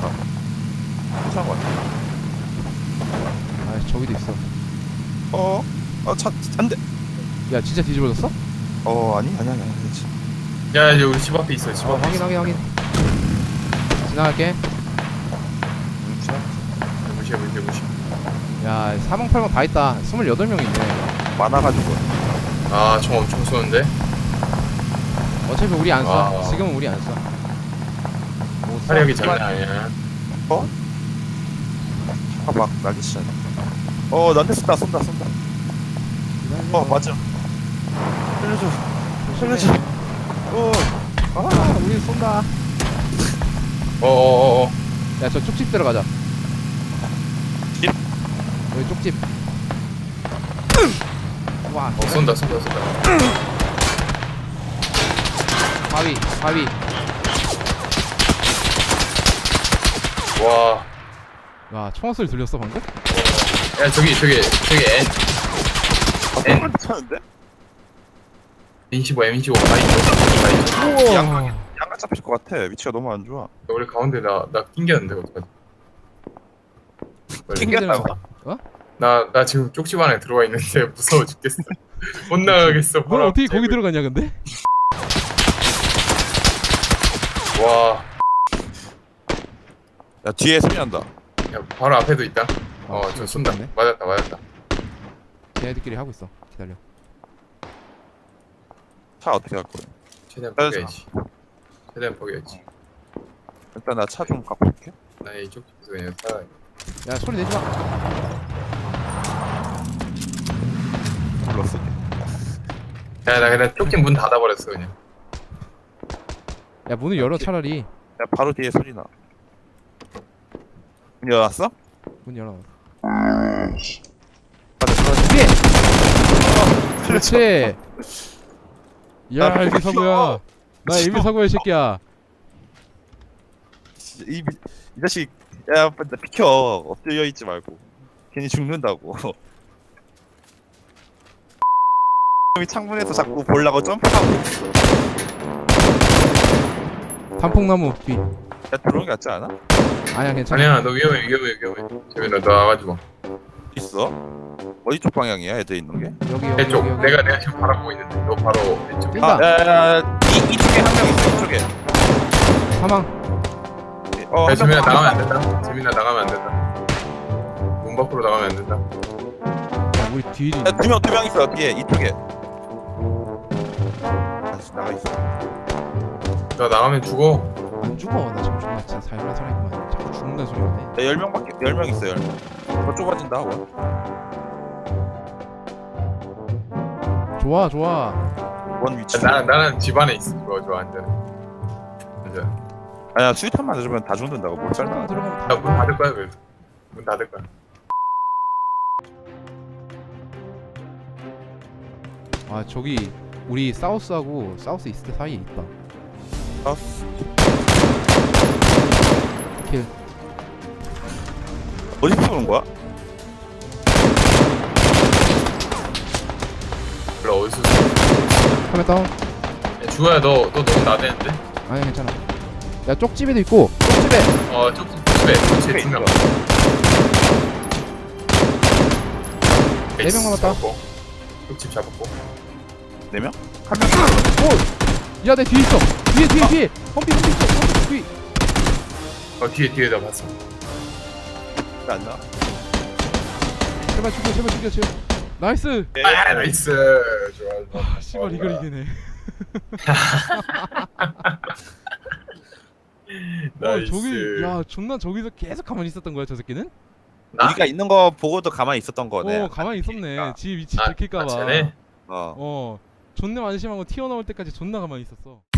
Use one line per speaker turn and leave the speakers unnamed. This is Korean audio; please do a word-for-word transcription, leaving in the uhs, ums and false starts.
같다. 이상한 거 같아.
아 저기도 있어.
어? 어차 안돼.
야 진짜 뒤집어졌어?
어 아니 아니 아니 아니.
야 이제 우리 집 앞에 있어. 집
어
앞에.
확인 확인 확인. 지나갈게.
무시해 무시해 무시해.
야 사방팔방 다 있다. 스물여덟 명 있네.
많아가지고.
아 총 엄청 쏘는데.
어차피 우리 안 써.
아.
지금은 우리 안 써. 뭐 써?
화력이 장난 아니야.
어? 차가 막 나기 시작해. 어 나한테 쏜다 쏜다 쏜다.
기다려.
어 맞아. 살려줘. 살려줘. 어.
아 우리 쏜다.
어어어어.
야 저 쪽집 들어가자.
집?
여기 쪽집. 와.
어 쏜다 쏜다 쏜다.
바위 바위.
와.
와 총알 소리 들렸어 방금?
야 저기 저기 저기 N
엔. 아, 괜찮은데?
엠 십오 엠 십오 바이 바이.
양각 양각 잡힐 것 같아. 위치가 너무 안 좋아.
우리 가운데 나나 낑겼는데 어떡하지? 빨리.
낑겼다고?
어?
나, 나 지금 쪽집 안에 들어가 있는데 무서워 죽겠어. 못 나가겠어.
너 어떻게 거기 들어갔냐 근데?
와.
야 뒤에 소리 난다.
야, 바로 앞에도 있다. 어,
아,
저 쏜다.
쏜다네.
맞았다, 맞았다.
걔네들끼리 하고 있어. 기다려.
차 어떻게 갈 거야?
최대한
맞아.
포기해야지. 최대한 포기해야지.
일단 나 차 좀 갖고 올게.
나 이쪽 집에서 그냥 살아.
야 소리 내지 마.
불렀어.
야, 나 그냥 쪽집 문 닫아버렸어 그냥.
야 문을 열어 차라리.
야 바로 뒤에 소리 나. 문 열었어?
문 열어.
맞아 들어가.
뒤에.
어,
그렇지. 야
나
에비 사고야. 나 에비 사고야 이 새끼야.
이, 이 자식 야 빨리 비켜. 엎드려 있지 말고 괜히 죽는다고. 이 창문에서 자꾸 보려고 점프하고.
단풍나무 뒤.
야 들어오는 게 낫지 않아?
아니야 괜찮아.
아니야, 너 위험해, 위험해, 위험해. 재민아, 너 나가지 마.
있어? 어디 쪽 방향이야 애들 있는 게?
여기 여기
내 쪽.
여기 여기.
내가 내가 지금 바라보고 있는데 너 바로 왼쪽.
뛴다.
야야야 이, 이쪽에 한 명 있어 이쪽에.
사망.
어,
야,
한
재민아
명
나가면 안 된다. 재민아 나가면 안 된다. 문 밖으로 나가면 안 된다.
야 우리 뒤에.
야, 두 명, 두 명 있어, 뒤에, 이쪽에. 다시 나가 있어.
너 나가면 죽어.
안 죽어. 나 지금 존나 진짜 살벌한 사람이구만. 자꾸 죽는다는 소리가 해.
야, 열 명밖에, 열 명 있어, 열 명. 더 좁아진다, 원.
좋아 좋아.
원 위치.
나 나는 집 안에 있어. 좋아, 좋아, 안전해. 안전.
아니야, 수류탄 맞으면 다 죽는다고, 못 살다.
들어가면 다.
나문 닫을 거야, 그래서. 문 닫을 거야.
아 저기 우리 사우스하고 사우스 이스트 사이에 있다.
아,
킬.
어디서 쏘는 거야?
몰라, 어디서.
카메라 다운.
야, 주호야, 너, 너 너무 나대는데?
아니 괜찮아. 야 쪽집에도 있고. 쪽집에.
어, 쪽집 집에, 쪽집에 두 명.
네명 남았다.
잡았고. 쪽집 잡았고.
네 명? 한 명?
오. 야내 뒤에 있어. 뒤에 뒤에 뒤에. 험비 험비 있어. 험비 뒤.
어, 뒤에, 뒤에다 봤어.
왜안 나와?
제발 죽여 제발 죽여 제발. 나이스.
아, 나이스. 좋아, 좋아.
아 씨발 이걸 이기네. 와
나이스.
저기 야 존나 저기서 계속 가만히 있었던 거야 저 새끼는?
나?
우리가 있는 거 보고도 가만히 있었던 거네.
어 가만히 있었네. 지 위치
아,
들킬까봐.
아, 쟤네?
어.
어 존나 안심하고 튀어나올 때까지 존나 가만히 있었어.